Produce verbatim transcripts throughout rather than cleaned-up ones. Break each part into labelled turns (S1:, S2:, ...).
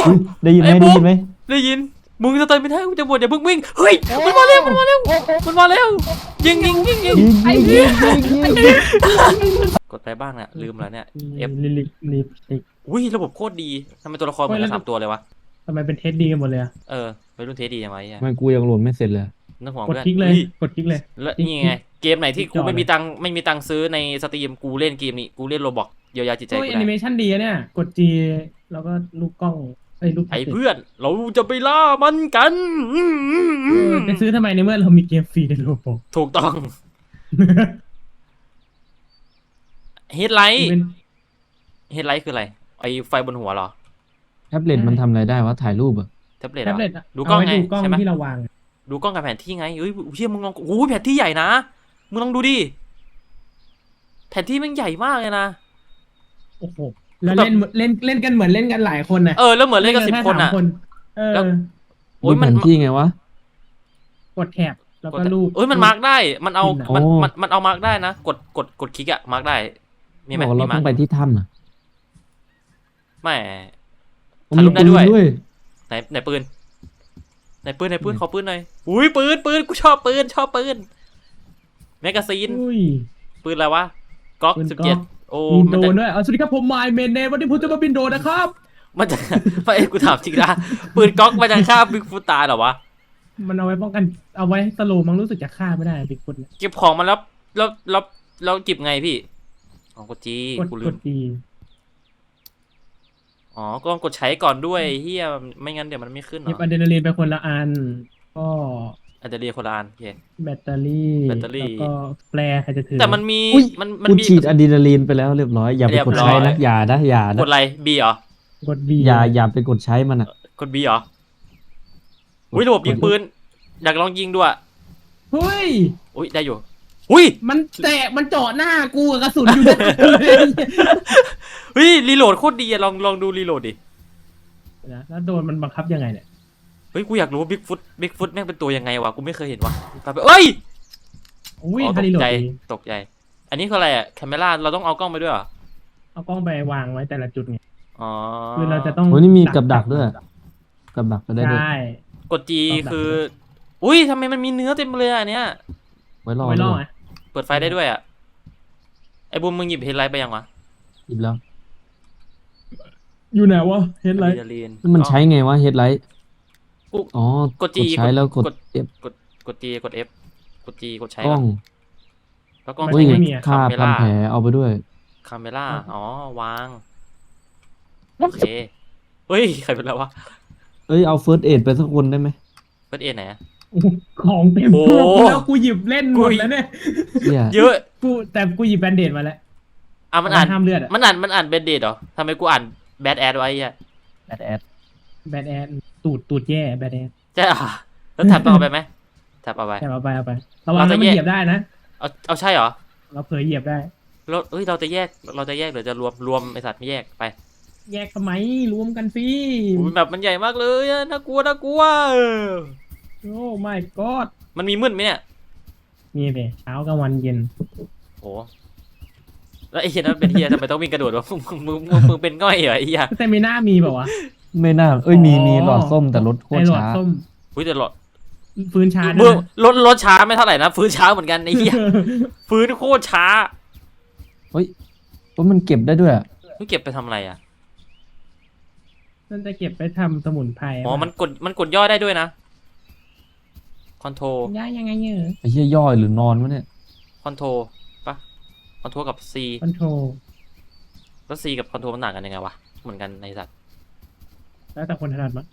S1: ได้ยินไหมได้ยินไหม
S2: ได้ยินมึงจะเติมไม่ได้กูจะบวชอย่าเพิ่งวิ่งเฮ้ยมันมาเร็วมันมาเร็วมันมาเร็วยิงยิงยิงยิง
S1: ยิงยิงยิงยิงยิง
S2: กดไปบ้างเนี่ยลืมแล้วเนี่ยเอฟ
S1: ลิลิลิลิ
S2: อุ้ยระบบโคตรดีทำไมตัวละครเหมือนกันสามตัวเลยวะ
S3: ทำไมเป็นเทสดีกันหมดเลยอะ
S2: เออไปรุ่นเทสดียังไงอ่ะ
S1: มันกูยังโหลดไม่เสร็จเลย
S2: นึกหัว
S3: กด
S2: เพื่อน
S3: คลิกเลยกดคลิกเลย
S2: แล้วนี่ไงเกมไหนที่กูไม่มีตังไม่มีตังซื้อในสตรีมกูเล่นเกมนี้กูเล่นโรบอกเยียวยาจิตใจกู
S3: โอ้ยแอ
S2: ได้
S3: นิเมชันดีอะเนี่ยกดจีแล้วก็ลูกกล้องไอ้ลูก
S2: ไอ้เพื่อนเราจะไปล่ามันกัน
S3: จะซื้อทำไมในเมื่อเรามีเกมฟรีในโลบอก
S2: ถูกต้องเฮดไลท์เฮดไลท์คืออะไรไอ้ไฟบนหัวเหรอ
S1: แท็บเล็ตมันทำอะไรได้วะถ่ายรูปอะ
S2: แท็บเล็ต
S3: แท็บเล็ต
S2: ดูกล้องไง
S3: ดูกล้อง
S2: ใช่ไหม
S3: ที่เราวาง
S2: ดูกล้องกับแผนที่ไงเฮ้ยเชี่ยมึงลองโอ้ยแผนที่ใหญ่นะมึงลองดูดิแผนที่มันใหญ่มากเลยนะ
S3: โอ้โหแล้วเล่นเล่นเล่นกันเหมือนเล่นกันหลายคนนะ
S2: เออแล้วเหมือนเล่นกันสิบคนอ่ะ
S3: เออ
S2: โอ้ยมัน
S1: ที่ไงวะ
S3: กดแท็บแล้วก็รูป
S2: เอ้ยมันมาร์กได้มันเอามันมันมันเอามาร์กได้นะกดกดกดคลิกอะมาร์กได้มีไหม
S1: เราต้องไปที่ถ้ำอะ
S2: ไม่ถ่ายรูปได้ด้วยไหนไหนปืนไหนปืนไหนปืนขอปืนหน่อยอุ้ยปืนปืนกูชอบปืนชอบปืนแมกกาซีนปืนอะไรวะก๊อกสิบเจ็ดโอ้
S3: บินโดนด้วยสวัสดีครับผมไมค์เมนเนวันนี้ผมจะมาบินโดนนะครับ
S2: มันจะไม่กูถามจริงนะปืนก๊อกมันจะฆ่าบิ๊กฟุตตายเหรอวะ
S3: มันเอาไว้ป้องกันเอาไว้สโลมั้งรู้สึกจะฆ่าไม่ได้บิ๊กฟุต
S2: เก็บของมันแล้วแล้วแล้วแล้วเก็บไงพี่อ๋อกดจีกูลืมอ๋อก็ต้องกดใช้ก่อนด้วยเฮียไม่งั้นเดี๋ยวมันไม่ขึ้นหรอ
S3: หยิบอะดรีนาลีนไปคนละอันก็
S2: อะดรีนาลีนคนละอันโอเค
S3: แบตเตอรี่
S2: แบตเตอรี่
S3: แล้วก็แปรใครจะถือ
S2: แต่มันมีมันมันมี
S1: ฉีดอะดรีนาลีนไปแล้วเรียบร้อยอย่าไปกดใช้นะอย่านะอย่านะ
S2: กดอะไรบีเหรอ
S3: กด B
S1: อย่าอย่าไปกดใช้มันอ่ะ
S2: กด B เหรออุ้ยระบบยิงปืนอยากลองยิงด้วย
S3: เฮ้ย
S2: อุ้ยได้อยู่อุ้ย
S3: มันแตะมันเจาะหน้ากูกับกระสุนอยู่ด้วย
S2: เฮ้ยรีโหลดโคตรดีอะลองลองดูรีโหลดดิ
S3: นะแล้วโดนมันบังคับยังไงเนี่ย
S2: เฮ้ยกูอยากรู้ว่าบิ๊กฟุตบิ๊กฟุตแม่งเป็นตัวยังไงวะกูไม่เคยเห็นวะไปเอ้ย
S3: อุ้ย
S2: ตกใจตกใจอันนี้คืออะไรอะแคมเมล่าเราต้องเอากล้องไปด้วยเหรอ
S3: เอากล้องไปวางไว้แต่ละจุดไง
S2: อ๋อ
S3: คือเราจะต้อง
S1: โอ้นี่มีกับดักด้วยกับดักก็ได้ด้วย
S3: ใช่
S2: กด G คืออุ้ยทำไมมันมีเนื้อเต็มเลยอันเนี้ย
S1: ไว้รอ
S3: ไว้รอ
S2: เปิดไฟได้ด้วยอ่ะไอ้บุ้มมึงหยิบเฮดไลท์ไปยังวะ
S1: หยิบแล้ว
S3: อยู่ไหนวะเฮดไลท์
S1: มันใช้ไงวะเฮดไลท์อ๋อก
S2: ด G
S1: ใช้แล้วกด
S2: F กดกด G กด F กด G กดใช้
S1: กล้อง
S2: แล้วกล้อง
S1: ไม่มีค่าทำแผลเอาไปด้วย
S2: คาเมล่าอ๋อวางโอเคเฮ้ยใครเป็นแล้ววะ
S1: เอ้ยเอาเฟิร์สเอดไปสักคนได้ไหม
S2: เฟิร์สเอดไหน
S3: ของเต็มตัวแล้วกูหยิบเล่นหมดแล้วเนี่ย
S2: เยอะ
S3: กูแต่กูหยิบแบนเดดมาแล้ว
S2: อ่ะมันอ่านห้ามเลือดมันอ่านมันอ่านแบนเดดเหรอทำไมกูอ่านแบดแอดไว้อ่ะ
S1: แบดแอด
S3: แบดแอดตูดตูดแย่แบดแอด
S2: ใช่อ่ะแล้วแท็บต้องเอาไปไหมแท็บเอาไป
S3: แท็บเอาไปเอาไประวังมันเหยียบได้นะ
S2: เอาเอาใช่เหรอ
S3: เราเผยเหยียบได้
S2: เราเอ้ยเราจะแยกเราจะแยกหรือจะรวมรวมไอสัตว์ไม่แยกไป
S3: แยกทำไมรวมกันสิ
S2: แบบมันใหญ่มากเลยน่ากลัวน่ากลัว
S3: โอ้ my god
S2: มันมีมืดไหมเนี่ย
S3: มีเลยเช้ากลางวันเย็น
S2: โอ้แล้วไอ้เหี้ยนั้นเป็นเหี้ยทำไมต้องวิ่งกระโดดวะมึงมึงมึงเป็นง่อยเหรอไอ้เหี้ย
S3: แต่ไม่น่ามีแบบวะ
S1: ไม่น่าเอ้ยมีมีหลอดส้มแต่รถโคตรช้า
S2: อุ้ยแต่หลอด
S3: ฟื้นช้า
S2: ด้วยรถรถช้าไม่เท่าไหร่นะฟื้นช้าเหมือนกันไอ้เหี้ยฟื้นโคตรช้า
S1: เฮ้ยว่ามันเก็บได้ด้วย
S2: มันเก็บไปทำอะไรอ่ะ
S3: นั่นจะเก็บไปทำสมุนไพร
S2: อ๋อมันกดมันกดย่อได้ด้วยนะคอนโทร
S3: ย่อยังไงเนี่ย
S1: ไอ้เหี้ยย่อยหรือนอนวะเนี่ย
S2: คอนโทรปะคอนโทรกับ C
S3: คอนโทร
S2: แล้ว C กับคอนโทรมันต่างกันยังไงวะเหมือนกันในสัตว์
S3: แล้วแต่คนถนัดมั้ง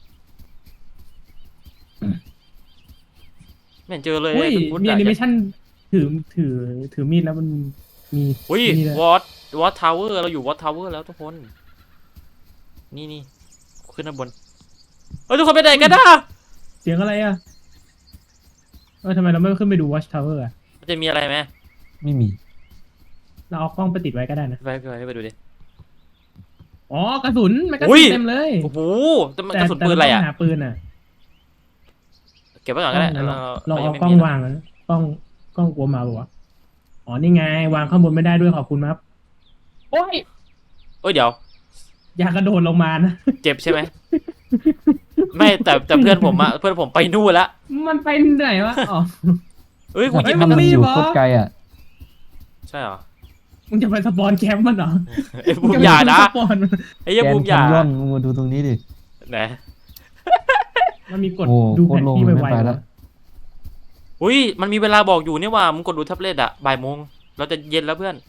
S2: ไม่เห็นเจอเลย
S3: มีแอนิเมชั่นถือถือถือมีดแล้วมันมี
S2: อุ้ยวอตวอตทาวเวอร์เราอยู่วอตทาวเวอร์แล้วทุกคนนี่นี่ขึ้นด้านบนเฮ้ยทุกคนไปไหนกันนะ
S3: เสียงอะไรอ่ะเออทำไมเราไม่ขึ้นไปดู Watch Tower อ่ะ
S2: มันจะมีอะไรไหม
S1: ไม่มี
S3: เราเอากล้องไปติดไว้ก็ได้นะ
S2: ไปไปไปดูดิ
S3: อ๋อกระสุนมันกระสุนเต็มเลย
S2: โอ้โหแต่มันกระสุนปืนอะไรอ่ะ
S3: หาปืนอ่ะ
S2: เก็บไว้ก่อนก็ได้
S3: ลองเอากล้องวางนะกล้องกล้องกลัวมาปะวะอ๋อนี่ไงวางข้างบนไม่ได้ด้วยขอบคุณครับโอ้ย
S2: โอ้ยเดี๋ยว
S3: อย่ากระโดดลงมานะ
S2: เจ็บใช่ไหมไม่แต่แต่เพื่อนผมอะเพื่อนผมไปนู่นละ
S3: มันไปไหนวะอ๋อ
S2: เอ้ยกูหยิบ
S1: ถ้ามัน
S3: รีบ
S1: อยู่
S3: เหรอ
S1: โคตรไกลอ่ะ
S2: ใช่เหรอ
S3: มึงจะไปสปอนแคมป์มันเหรอ
S2: ไอ้บูมอย่านะ
S3: สปอนมัน
S2: ไอ้เหี้ย
S1: แก
S2: บู
S1: น
S2: ม
S1: แค
S2: อย่าน
S1: ยอนมึงมาดูตรงนี้ดิ
S2: ไหน
S3: มันมีกด
S1: โอ้
S3: ดูแผนที่
S1: โคตรโล่ง
S3: ไว
S1: ไม่ไป
S3: ๆ
S1: แล้ว
S3: วะ
S2: อุ้ยมันมีเวลาบอกอยู่นี่ว่ามึงกดดูแท็บเล็ตอะบ่ายโมงเราจะเย็นแล้วเพื่อน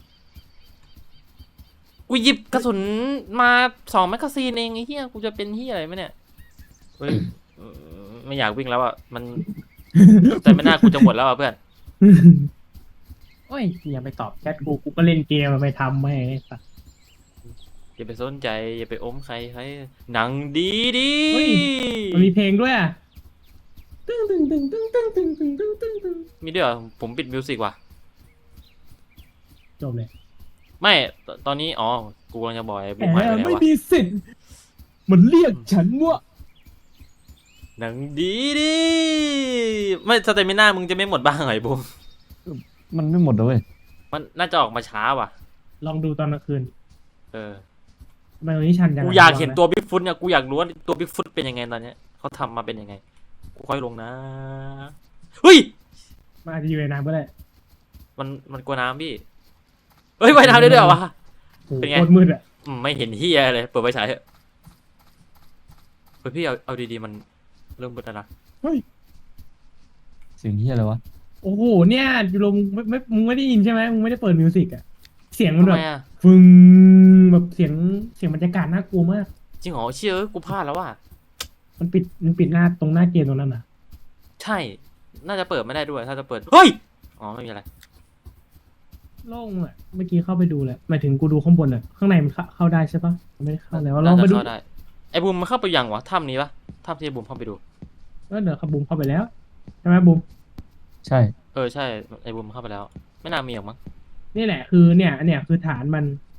S2: กูหยิบกระสุนมาสองแมกกาซีนเองไอ้เหี้ยกูจะเป็นเหี้ยอะไรไหมเนี่ยเฮ้ยไม่อยากวิ่งแล้วอะมันแต่ไม่น่ากูจะหมดแล้วอะเพื่อน
S3: โอ้ยอย่าไปตอบแชทกูกูก็เล่นเกมไปทำไม่ไอ้สัส
S2: อย่าไปสนใจอย่าไปอมใครใครหนังดีดี
S3: เฮ้ย มันมีเพลงด้วยอ่ะตึ้งตึ้งตึ้งตึ้งตึ้งตึ้งตึ้งตึ้งตึ้งตึ้ง
S2: มีด้วยเหรอผมปิดมิวสิกว่ะ
S3: จบเลย
S2: ไม่ตตอนนี้อ๋อกูกำลังจะบอกไอ้
S3: แห
S2: บูมหายไป
S3: ม
S2: ไหน
S3: ไม่
S2: วะ
S3: มีสิทธิ์มันเรียกฉันว่า
S2: หนังดีดีไม่สเตมิน่ามึงจะไม่หมดบ้างเหรอไอ้บูม
S1: มันไม่หมดเลยเว้ย
S2: มันน่าจะออกมาช้าว่ะ
S3: ลองดูตอนกลางคืน
S2: เออ
S3: ทำไมตรงนี้ชันจัง
S2: กูอยากเห็นตัวบิ๊กฟุตเนี่ยกูอยากรู้ว่าตัวบิ๊กฟุตเป็นยังไงตอนเนี้ยเขาทำมาเป็นยังไงกูค่อยลงนะเฮ้ย
S3: มันอาจจะอยู่ในน้ำก็ได้
S2: มันมันกลัวน้ำพี่เฮ้ยว่ายน้ำได้ด้วยเหรอวะ
S3: โอ้โห
S2: เป็นไง
S3: โคตรมืดอ่ะ
S2: อืมไม่เห็นเฮียเลยเปิดไฟฉายเถอะเฮ้ยพี่เอาเอาดีๆมันเริ่มมืดแล้วนะ
S1: เสียงเฮียอะไรวะ
S3: โอ้โหเนี่ยยูโรมึงไม่ไม่มึงไม่ได้ยินใช่ไหมมึงไม่ได้เปิดมิวสิกอ่ะเสียงมัน
S2: ทำ
S3: แบ
S2: ไม
S3: บ
S2: อ่ะ
S3: ฟึงแบบเสียงเสียงบรรยากาศน่ากลัวมาก
S2: จริงเหรอเชื่อเอ้ยกูพลาดแล้วว่ะ
S3: มันปิดมันปิดหน้าตรงหน้าเกมตรงนั้นน่ะ
S2: ใช่ น่าจะเปิดไม่ได้ด้วยถ้าจะเปิดเฮ้ยอ๋อไม่มีอะไร
S3: โล่งอ่ะเมื่อกี้เข้าไปดูแหละหมายถึงกูดูข้างบนอ่ะข้างในมันเข้าเข้าได้ใช่ปะมันไม่ได้เข้าแล้วล
S2: น่า
S3: อง
S2: จะ
S3: ไปดู
S2: เข้าได้ไอ้บูมมันเข้าไปยังวะถ้ำนี้ปะถ้ำที่ไอ้บูมเข้าไปดู
S3: ก็เดี๋ยวขับบุมเข้าไปแล้วใช่ไหมบุม
S1: ใช่
S2: เออใช่ไอ้บูมเข้าไปแล้ว ไม่น่ามีหรอกมั้ง
S3: นี่แหละคือเนี่ยเนี่ยคือฐานมัน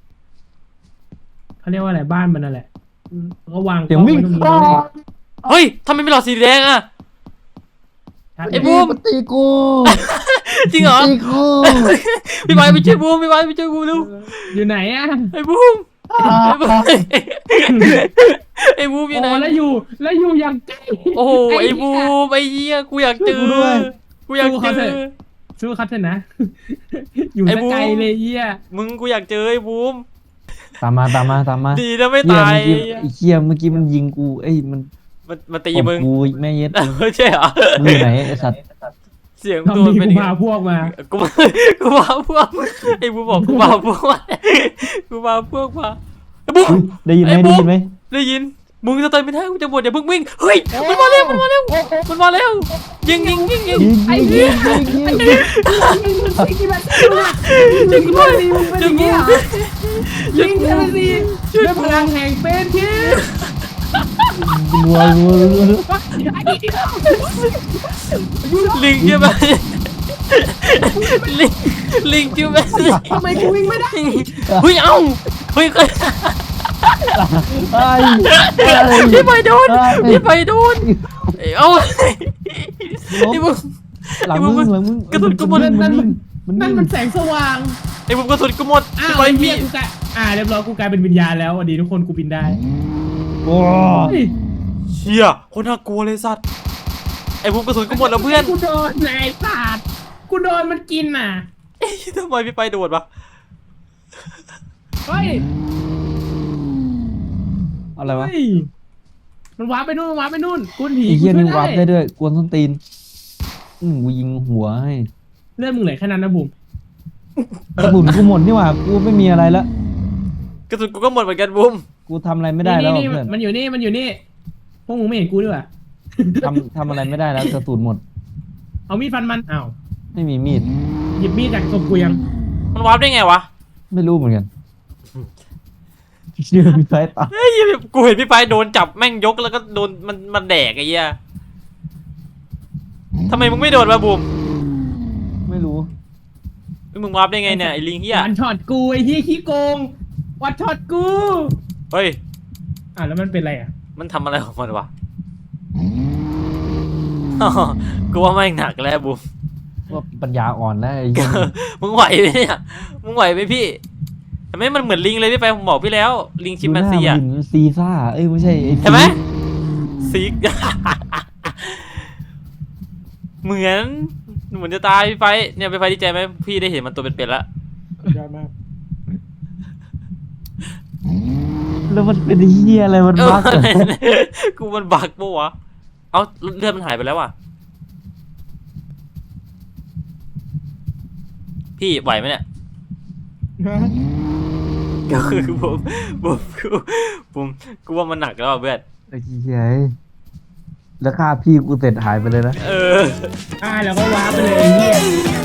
S3: เขาเรียกว่าอะไรบ้านมันนั่นแหละอืมก็วาง
S1: เสียงวิ่ง
S3: กล้อไว้ตรงนี้เลย
S2: เฮ้ยทำไมไม่หลอดสีแดงอ่ะ
S3: ชัด
S2: ไอ้
S3: เลย
S2: บูม
S1: นตีกู
S2: จริงเหรอ
S1: ตีกู
S2: พี่ไบร์ทไปช่วยบูมพี่ไบร์ทไปช่วยบูมเร็ว
S3: อยู่ไหนอ่ะ
S2: ไอ้บูมไอ้บูมไอ้บูมอยู่ไหน
S3: โอ้แล้วอยู่แล้วอยู่อย่างไกล
S2: โอ้โหไอ้บู
S3: เหี้ย
S2: มไอ้เหี้ยกูอยากเจอกูอยากเจอ
S3: สู้คัดเถอะนะ อยู่
S2: ไอ้
S3: ส
S2: บูม
S3: ไกลเลยเยี่ย
S2: มึงกูอยากเจอไอ้บูม
S1: ตามมาตามมาตามมา
S2: ดีนะไม่
S1: เฮีย
S2: ตาย
S1: เมื่อกี้ไอ้เฮียเมื่อกี้มันยิงกูเอ้ยมัน
S2: มันมันตี
S1: ตบ
S2: มึง
S1: กูแม่เย็ด
S2: ไม่ใช่เหรอ
S1: มึงอยู่ไหนไอ้สัตว์
S2: เสียง
S3: ทำ
S2: ตัว
S3: ดี
S2: เป็น
S3: กู
S2: ยังไง
S3: พาพวกมา
S2: กูมากูมาพวกไอ้บูมบอกกูมาพวกมากูมาพวกมาไอ้บูม
S1: อุ๊ยได้ยินไหม
S2: ไอ้
S1: ได้
S2: บุ๊ค
S1: ยินไหม
S2: ได้ยินมึงจะตายไม่ได้กูจะบวชอย่าเพิ่งวิ่งเฮ้ยมันมาเร็วมันมาเร็วมันมาเร็วยิงยิงยิงยิง
S1: ยิง
S3: ไอ้
S1: ยิง
S3: เหี้
S1: ยิ
S3: ย
S1: งยิงยิง
S3: ยิงยิงแบบยิงด้วยมึงเป็นอย่างนี้เหรอยิงเทมซีด้วยพลังแห่งเป็นที่
S1: รัวรัวรัวรัว
S2: ลิงใช่ไหมลิงลิงใช่ไหม
S3: ทำไมกูวิ่งไม่ได้
S2: เฮ้ยเอ้าเฮ้ย
S1: ไอ้ไอ้
S2: พี่ไปโดนพี่ไปโดนเอ้าไอ้บุ้ม
S1: หลังมึงหลังมึง
S2: กระสุนกูหมด
S1: มันนิ่งมัน
S3: นั่น
S1: นิ่ง
S3: มันแสงสว่าง
S2: ไอ้บุ้มกระสุนกูหมด
S3: อ้าว
S2: พี่ไป
S3: ไอ้
S2: มี
S3: เหี้ยกูกลายอ่าเรียบร้อยกูกลายเป็นวิญญาณแล้วสวัสดีทุกคนกูบินได้
S1: โอ้
S3: เฮ้ย
S2: เชี่ยคนน่ากลัวเลยสัตว์ไอ้บุ้มกระสุนกูหมดแล้วเพื่อน
S3: กูโดนไอ้สัตว์กูโดนมันกินน่ะ
S2: ทำไมพี่ไปโดดวะ
S3: เฮ้ย
S1: อะไรวะ
S3: เฮ้ยมันวาร์ปไปนู่นมันวาร์ปไปนู่นกูผี
S1: ไอ้
S3: กู
S1: เฮีย
S3: ช่วย
S1: นี่วัดได้
S3: ได้
S1: ด้วยกวนส้นตีนอืมกูยิงหัวให้
S3: เลือดมึงเหลือแค่นั้นนะบุ๋ม
S1: กระสุนกูหมดนี่หว่ากูไม่มีอะไรละ
S2: กระสุนกูก็หมดเหมือนกันบุ้ม
S1: กูทำอะไรไม่ได้แล้ว
S3: นี่
S1: เพื่อน
S3: มันอยู่นี่มันอยู่นี่พวกมึงไม่เห็นกูด้วยว่ะ
S1: ทำทำอะไรไม่ได้แล้วกระสุนหมด
S3: เอามีดฟันมันอ้าว
S1: ไม่มีมีด
S3: หยิบมีดจากศพกูยัง
S2: มันวาร์ปได้ไงวะ
S1: ไม่รู้เหมือนกันเชื่อมีไฟตา
S2: เฮ้ยกูเห็นพี่ไปโดนจับแม่งยกแล้วก็โดนมันมันแดกไอ้เหี้ยทำไมมึงไม่โดนวะบุ้ม
S1: ไม่รู้
S2: มึงวาร์ปได้ไงเนี่ยไอ้ลิงเหี้ย
S3: วันช็อตกูไอ้ที่ขี้โกงวันช็อตกู
S2: เฮ้ย
S3: อ่ะแล้วมันเป็นอะไรอ่ะ
S2: มันทำอะไรของมันวะ กูว่าแม่งหนักแล้วบุ้ม
S1: ว่าปัญญาอ่อนแล้วไอ้เหี้ย
S2: มึงไหวไหมเนี่ยมึงไหวไหมพี่ทำไมมันเหมือนลิงเลยพี่ไปผมบอกพี่แล้วลิงชิมแปนซี
S1: ดูห
S2: อ่ะ
S1: น้ามันซีซ่าเอ้ยไม่ใช่ไอ้
S2: เห็นไหม
S1: ฟ
S2: ซิก เหมือนเหมือนจะตายพี่ไฟเนี่ยพี่ไฟดีใจไหมพี่ได้เห็นมันตัวเป็นๆแล้ว
S3: ยอดมาก
S1: แล้วมันเป็นเฮียอะไรมัน
S2: เออ
S1: บั๊กเหรอ
S2: กูมันบักปะวะเอาเลือดมันหายไปแล้วว่ะพี่ไหวไหมเนี่ย ก็คือผมผมกูผมกูว่ามันหนักแล้วอ่ะเพื่อน
S1: ไอ้เฮียแล้วค่าพี่กูเสร็จหายไปเลยนะ
S2: เออ
S3: อ่าแล้วก็ว้าไปเลยไอ้เหี้ย